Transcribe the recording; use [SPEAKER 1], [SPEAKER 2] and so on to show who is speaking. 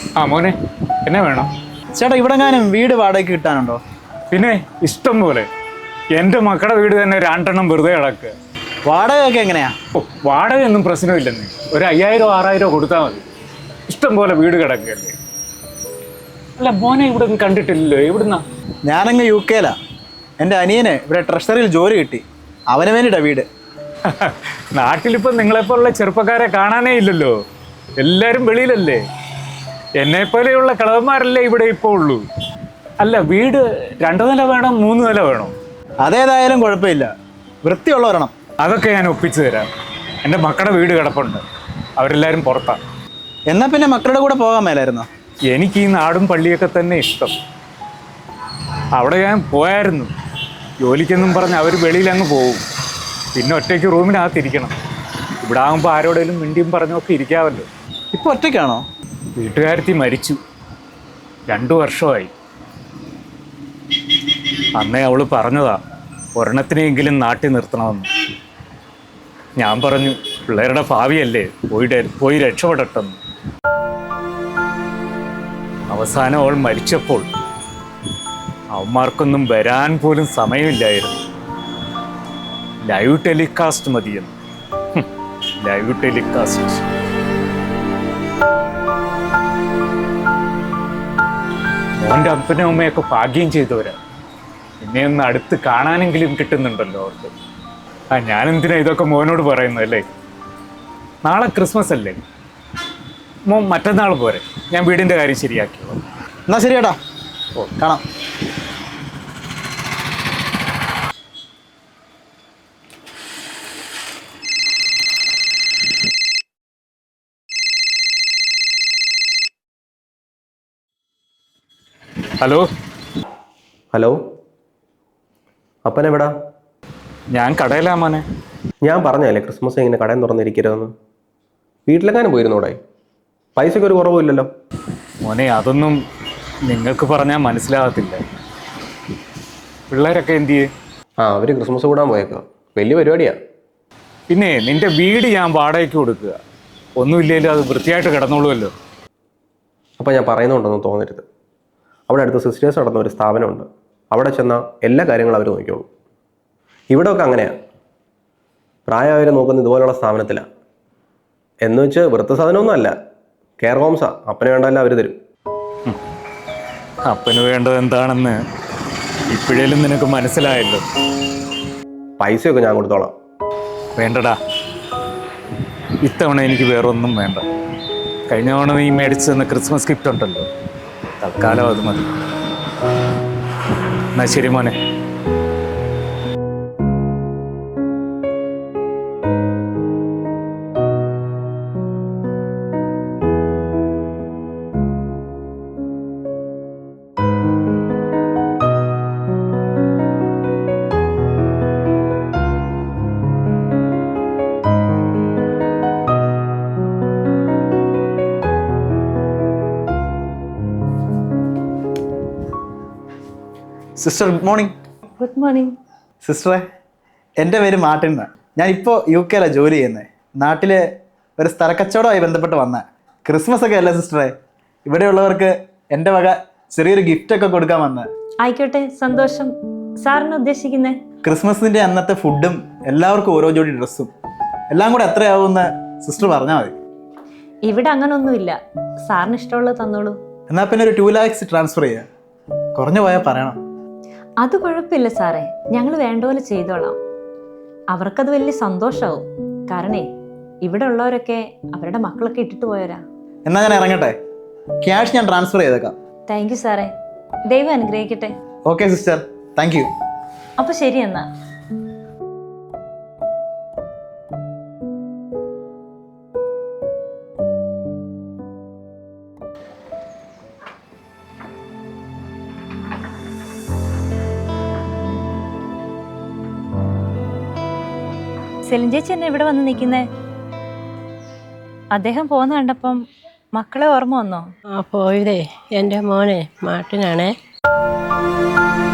[SPEAKER 1] ആ മോനെ, എന്നെ വേണം?
[SPEAKER 2] ചേട്ടാ ഇവിടെ എങ്ങാനും വീട് വാടകയ്ക്ക് കിട്ടാനുണ്ടോ?
[SPEAKER 1] പിന്നെ ഇഷ്ടം പോലെ. എൻ്റെ മക്കളുടെ വീട് തന്നെ രണ്ടെണ്ണം വെറുതെ കിടക്കുക.
[SPEAKER 2] വാടകയൊക്കെ എങ്ങനെയാ?
[SPEAKER 1] വാടകയൊന്നും പ്രശ്നമില്ലെന്ന്. ഒരു 5000 6000 കൊടുത്താൽ മതി. ഇഷ്ടം പോലെ വീട് കിടക്കുകയല്ലേ. അല്ല മോനെ ഇവിടെ ഒന്നും കണ്ടിട്ടില്ലല്ലോ, എവിടുന്നാ?
[SPEAKER 2] ഞാനങ്ങ് UK എൻ്റെ അനിയന് ഇവിടെ ട്രഷറിയിൽ ജോലി കിട്ടി, അവന് വേണ്ടിയിട്ടാ വീട്.
[SPEAKER 1] നാട്ടിലിപ്പം നിങ്ങളെപ്പോലുള്ള ചെറുപ്പക്കാരെ കാണാനേ ഇല്ലല്ലോ, എല്ലാവരും വെളിയിലല്ലേ. എന്നെപ്പോലെയുള്ള കളവന്മാരല്ലേ ഇവിടെ ഇപ്പോൾ ഉള്ളൂ. അല്ല വീട് 2 നില വേണം 3 നില വേണോ?
[SPEAKER 2] അതേതായാലും കുഴപ്പമില്ല, വൃത്തിയുള്ള ഒരെണ്ണം.
[SPEAKER 1] അതൊക്കെ ഞാൻ ഒപ്പിച്ചു തരാം. എൻ്റെ മക്കളുടെ വീട് കിടപ്പുണ്ട്, അവരെല്ലാവരും പുറത്താണ്.
[SPEAKER 2] എന്നാൽ പിന്നെ മക്കളുടെ കൂടെ പോകാൻ മേലായിരുന്നോ?
[SPEAKER 1] എനിക്ക് ഈ നാടും പള്ളിയൊക്കെ തന്നെ ഇഷ്ടം. അവിടെ ഞാൻ പോയായിരുന്നു, ജോലിക്കെന്നും പറഞ്ഞ് അവർ വെളിയിൽ അങ്ങ് പോകും. പിന്നെ ഒറ്റയ്ക്ക് റൂമിനകത്തിരിക്കണം. ഇവിടെ ആകുമ്പോൾ ആരോടെങ്കിലും മിണ്ടിയും പറഞ്ഞൊക്കെ ഇരിക്കാമല്ലോ.
[SPEAKER 2] ഇപ്പോൾ ഒറ്റയ്ക്കാണോ?
[SPEAKER 1] വീട്ടുകാരത്തി മരിച്ചു, 2 വർഷമായി. അന്നേ അവൾ പറഞ്ഞതാ ഒരെണ്ണത്തിനെങ്കിലും നാട്ടിൽ നിർത്തണമെന്ന്. ഞാൻ പറഞ്ഞു പിള്ളേരുടെ ഭാവിയല്ലേ, പോയി രക്ഷപ്പെടട്ടെന്ന്. അവസാനം അവൾ മരിച്ചപ്പോൾ അവന്മാർക്കൊന്നും വരാൻ പോലും സമയമില്ലായിരുന്നു. ലൈവ് ടെലികാസ്റ്റ് മതിയെന്ന്. Live telecast. മോൻ്റെ അപ്പനും അമ്മയൊക്കെ ഭാഗ്യം ചെയ്തവരാ. എന്നെ ഒന്ന് അടുത്ത് കാണാനെങ്കിലും കിട്ടുന്നുണ്ടല്ലോ അവർക്ക്. ഞാനെന്തിനാ ഇതൊക്കെ മോനോട് പറയുന്നതല്ലേ. നാളെ ക്രിസ്മസ് അല്ലേ, മോൻ മറ്റന്നാൾ പോരെ, ഞാൻ വീടിൻ്റെ കാര്യം ശരിയാക്കിയോ.
[SPEAKER 2] എന്നാ ശരി ചേട്ടാ, ഓ കാണാം.
[SPEAKER 1] ഹലോ.
[SPEAKER 3] ഹലോ, അപ്പനെവിടാ?
[SPEAKER 1] ഞാൻ കടയിലാ മോനെ.
[SPEAKER 3] ഞാൻ പറഞ്ഞല്ലേ ക്രിസ്മസ് ഇങ്ങനെ കടയും തുറന്നിരിക്കരുതെന്ന്. വീട്ടിലെങ്ങാനും പോയിരുന്നോടെ? പൈസയ്ക്ക് ഒരു കുറവുമില്ലല്ലോ.
[SPEAKER 1] മോനെ അതൊന്നും നിങ്ങൾക്ക് പറഞ്ഞാൽ മനസ്സിലാകത്തില്ല. പിള്ളേരൊക്കെ എന്ത് ചെയ്യേ?
[SPEAKER 3] അവർ ക്രിസ്മസ് കൂടാൻ പോയേക്കാം, വലിയ പരിപാടിയാ.
[SPEAKER 1] പിന്നെ നിന്റെ വീട് ഞാൻ വാടകയ്ക്ക് കൊടുക്കുക, ഒന്നുമില്ലെങ്കിലും അത് വൃത്തിയായിട്ട് കിടന്നോളുമല്ലോ.
[SPEAKER 3] അപ്പോൾ ഞാൻ പറയുന്നുണ്ടെന്ന് തോന്നരുത്. അവിടെ അടുത്ത് സിസ്റ്റേഴ്സ് നടന്ന ഒരു സ്ഥാപനമുണ്ട്, അവിടെ ചെന്നാൽ എല്ലാ കാര്യങ്ങളും അവർ നോക്കിക്കോളും. ഇവിടെയൊക്കെ അങ്ങനെയാണ്, പ്രായമായവർ നോക്കുന്ന ഇതുപോലുള്ള സ്ഥാപനത്തിലാണ്. എന്ന് വെച്ച് വൃദ്ധസാധനമൊന്നും അല്ല, കെയർ ഹോംസാ. അപ്പന് വേണ്ടല്ല അവർ തരും.
[SPEAKER 1] അപ്പന് വേണ്ടത് എന്താണെന്ന് ഇപ്പോഴേലും നിനക്ക് മനസ്സിലായല്ലോ.
[SPEAKER 3] പൈസയൊക്കെ ഞാൻ കൊടുത്തോളാം.
[SPEAKER 1] വേണ്ടടാ, ഇത്തവണ എനിക്ക് വേറൊന്നും വേണ്ട. കഴിഞ്ഞ തവണ നീ മേടിച്ചു തന്ന ക്രിസ്മസ് ഗിഫ്റ്റ് ഉണ്ടല്ലോ, തൽക്കാലം അത് മതി. എന്നാ ശരി മോനെ.
[SPEAKER 2] Sister good morning.
[SPEAKER 4] Good morning.
[SPEAKER 2] സിസ്റ്ററെ, എൻ്റെ പേര് മാർട്ടിൻ എന്നാണ്. ഞാനിപ്പോൾ UK ജോലി ചെയ്യുന്നത്. നാട്ടിൽ ഒരു സ്ഥലക്കച്ചവടമായി ബന്ധപ്പെട്ട് വന്ന ക്രിസ്മസ് ഒക്കെ അല്ലേ സിസ്റ്ററെ, ഇവിടെയുള്ളവർക്ക് എൻ്റെ വക ചെറിയൊരു ഗിഫ്റ്റൊക്കെ കൊടുക്കാൻ വന്നത്.
[SPEAKER 4] ആയിക്കോട്ടെ, സന്തോഷം. സാറിന് ഉദ്ദേശിക്കുന്നത്?
[SPEAKER 2] ക്രിസ്മസിൻ്റെ അന്നത്തെ ഫുഡും എല്ലാവർക്കും ഓരോ ജോഡി ഡ്രസ്സും എല്ലാം കൂടെ എത്രയാവുമെന്ന് സിസ്റ്റർ പറഞ്ഞാൽ മതി.
[SPEAKER 4] ഇവിടെ അങ്ങനൊന്നുമില്ല, സാറിന് ഇഷ്ടമുള്ളത് തന്നോളൂ.
[SPEAKER 2] എന്നാൽ പിന്നെ ഒരു 2 lakhs ട്രാൻസ്ഫർ ചെയ്യുക, കുറഞ്ഞു പോയാൽ പറയണം.
[SPEAKER 4] അത് കുഴപ്പമില്ല സാറേ, ഞങ്ങൾ വേണ്ട പോലെ ചെയ്തോളാം. അവർക്കത് വലിയ സന്തോഷമാവും. കാരണേ ഇവിടെ ഉള്ളവരൊക്കെ അവരുടെ മക്കളൊക്കെ ഇട്ടിട്ട് പോയവരാ.
[SPEAKER 2] എന്നാൽ ഞാൻ ഇറങ്ങട്ടെ, ക്യാഷ് ഞാൻ ട്രാൻസ്ഫർ ചെയ്തേക്കാം.
[SPEAKER 4] താങ്ക് യു സാറേ, ദൈവം അനുഗ്രഹിക്കട്ടെ.
[SPEAKER 2] Okay sister, thank you.
[SPEAKER 4] അപ്പോൾ ശരി എന്നാ. സെലിൻ ചേച്ചി എന്നെ ഇവിടെ വന്ന് നിൽക്കുന്നേ? അദ്ദേഹം പോകുന്ന കണ്ടപ്പം മക്കളെ ഓർമ്മ വന്നോ?
[SPEAKER 5] പോയതേ എൻ്റെ മോനെ മാർട്ടിനാണേ.